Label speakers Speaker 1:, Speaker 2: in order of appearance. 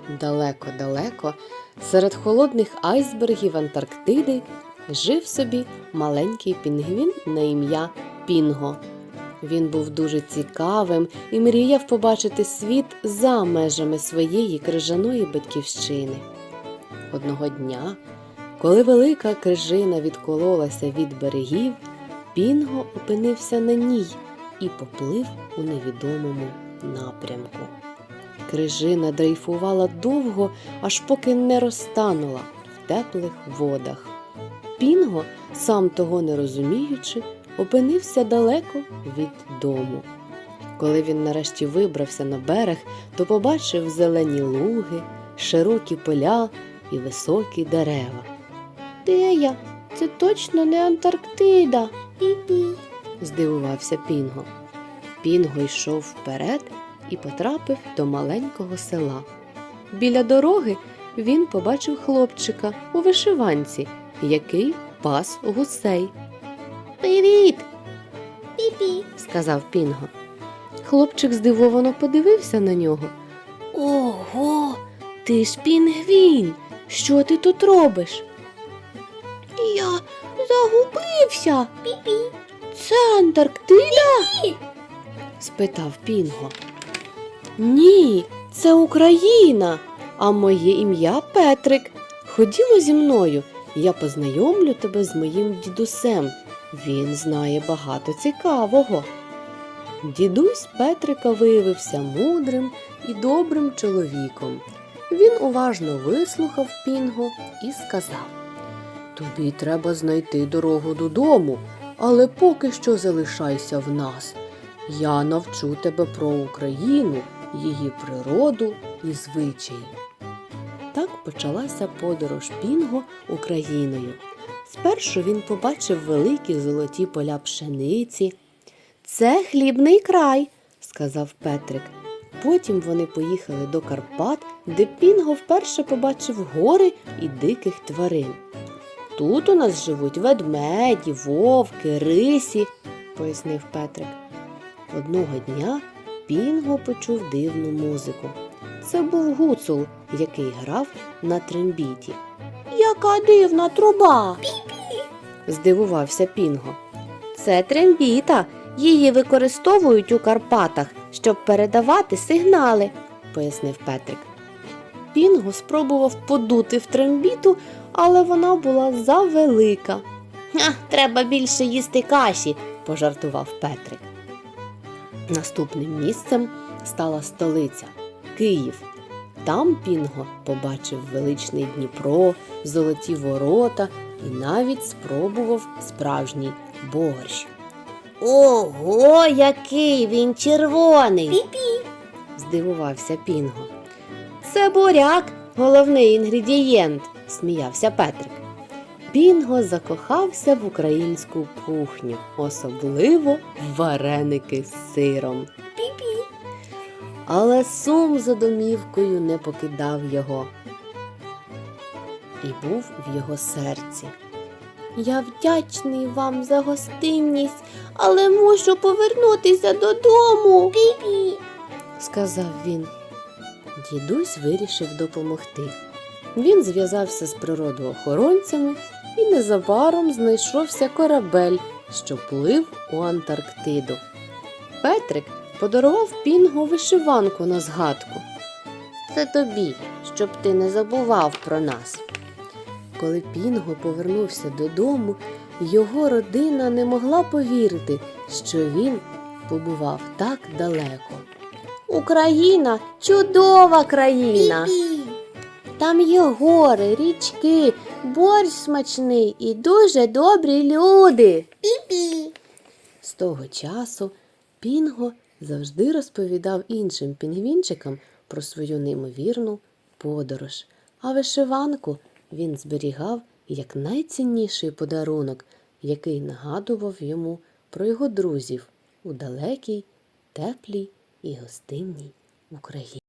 Speaker 1: Далеко-далеко, серед холодних айсбергів Антарктиди, жив собі маленький пінгвін на ім'я Пінго. Він був дуже цікавим і мріяв побачити світ за межами своєї крижаної батьківщини. Одного дня, коли велика крижина відкололася від берегів, Пінго опинився на ній і поплив у невідомому напрямку. Крижина дрейфувала довго, аж поки не розтанула в теплих водах. Пінго, сам того не розуміючи, опинився далеко від дому. Коли він нарешті вибрався на берег, то побачив зелені луги, широкі поля і високі дерева. «Де я? Це точно не Антарктида!» «Пі-пі!» – здивувався Пінго. Пінго йшов вперед і потрапив до маленького села. Біля дороги він побачив хлопчика у вишиванці, який пас гусей. «Привіт!» «Пі-пі!» – сказав Пінго. Хлопчик здивовано подивився на нього. «Ого! Ти ж пінгвін! Що ти тут робиш?» «Я загубився! Пі-пі! Це Антарктида?» «Пі-пі!» – спитав Пінго. «Ні, це Україна, а моє ім'я Петрик. Ходімо зі мною, я познайомлю тебе з моїм дідусем. Він знає багато цікавого». Дідусь Петрика виявився мудрим і добрим чоловіком. Він уважно вислухав Пінго і сказав: «Тобі треба знайти дорогу додому, але поки що залишайся в нас. Я навчу тебе про Україну, її природу і звичаї». Так почалася подорож Пінго Україною. Спершу він побачив великі золоті поля пшениці. «Це хлібний край», – сказав Петрик. Потім вони поїхали до Карпат, де Пінго вперше побачив гори і диких тварин. «Тут у нас живуть ведмеді, вовки, рисі», – пояснив Петрик. Одного дня Пінго почув дивну музику. Це був гуцул, який грав на трембіті. «Яка дивна труба!» «Пі-пі!» – здивувався Пінго. «Це трембіта. Її використовують у Карпатах, щоб передавати сигнали», – пояснив Петрик. Пінго спробував подути в трембіту, але вона була завелика. «Треба більше їсти каші», – пожартував Петрик. Наступним місцем стала столиця – Київ. Там Пінго побачив величний Дніпро, золоті ворота і навіть спробував справжній борщ. «Ого, який він червоний!» «Пі-пі!» – здивувався Пінго. «Це буряк, головний інгредієнт», – сміявся Петрик. Пінго закохався в українську кухню, особливо в вареники з сиром. «Пі-пі!» Але сум за домівкою не покидав його і був в його серці. «Я вдячний вам за гостинність, але мушу повернутися додому», «Пі-пі!» – сказав він. Дідусь вирішив допомогти. Він зв'язався з природоохоронцями і незабаром знайшовся корабель, що плив у Антарктиду. Петрик подарував Пінго вишиванку на згадку. «Це тобі, щоб ти не забував про нас». Коли Пінго повернувся додому, його родина не могла повірити, що він побував так далеко. «Україна – чудова країна! Пі-пі! Там є гори, річки, борщ смачний і дуже добрі люди!» «Пі-пі!» З того часу Пінго завжди розповідав іншим пінгвінчикам про свою неймовірну подорож, а вишиванку він зберігав як найцінніший подарунок, який нагадував йому про його друзів у далекій, теплій і гостинній Україні.